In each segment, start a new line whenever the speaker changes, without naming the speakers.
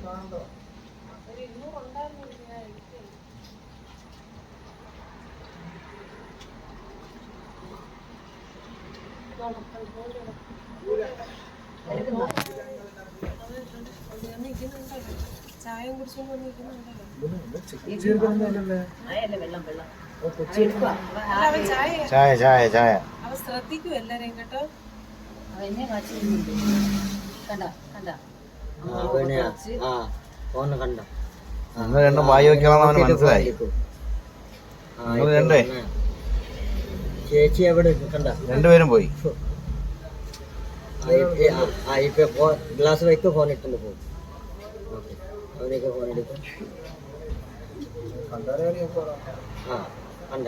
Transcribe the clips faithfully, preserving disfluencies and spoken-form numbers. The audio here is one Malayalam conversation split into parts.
ചായ കുടിച്ചോണ്ട്
ചായ ചായ ചായ
അവ ശ്രദ്ധിക്കും എല്ലാരെയും കേട്ടോ.
നിങ്ങൾ രണ്ടും വായി വെക്കണം അവന് മനസ്സിലായി. നിങ്ങൾ രണ്ടേ
ചേച്ചി എവിടെ കണ്ട
രണ്ടുപേരും പോയി.
ഗ്ലാസ് വയ്ക്കോ ഫോൺ ഇട്ടുണ്ട് പോകും അവനൊക്കെ ഫോൺ എടുക്കും. ആ കണ്ട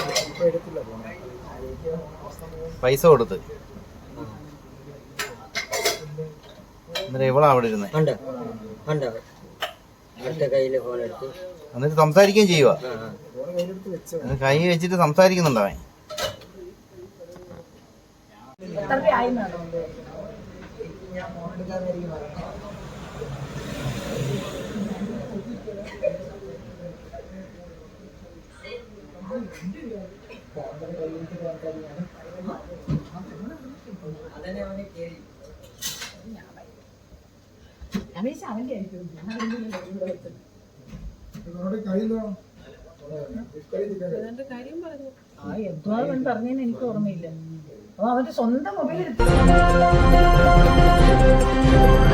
പൈസ കൊടുത്ത് എന്നിട്ട് ഇവളാ അവിടെ ഇരുന്നേ.
കണ്ട കണ്ട അടുത്ത കയ്യില് ഫോൺ എടുത്ത്
എന്നിട്ട് സംസാരിക്കുകയും ചെയ്യുക. കൈ വെച്ചിട്ട് സംസാരിക്കുന്നുണ്ടവൻ.
എന്തോ അവൻ പറഞ്ഞതിന് എനിക്ക് ഓർമ്മയില്ല. അപ്പൊ അവന്റെ സ്വന്തം മൊബൈൽ എടുത്തു.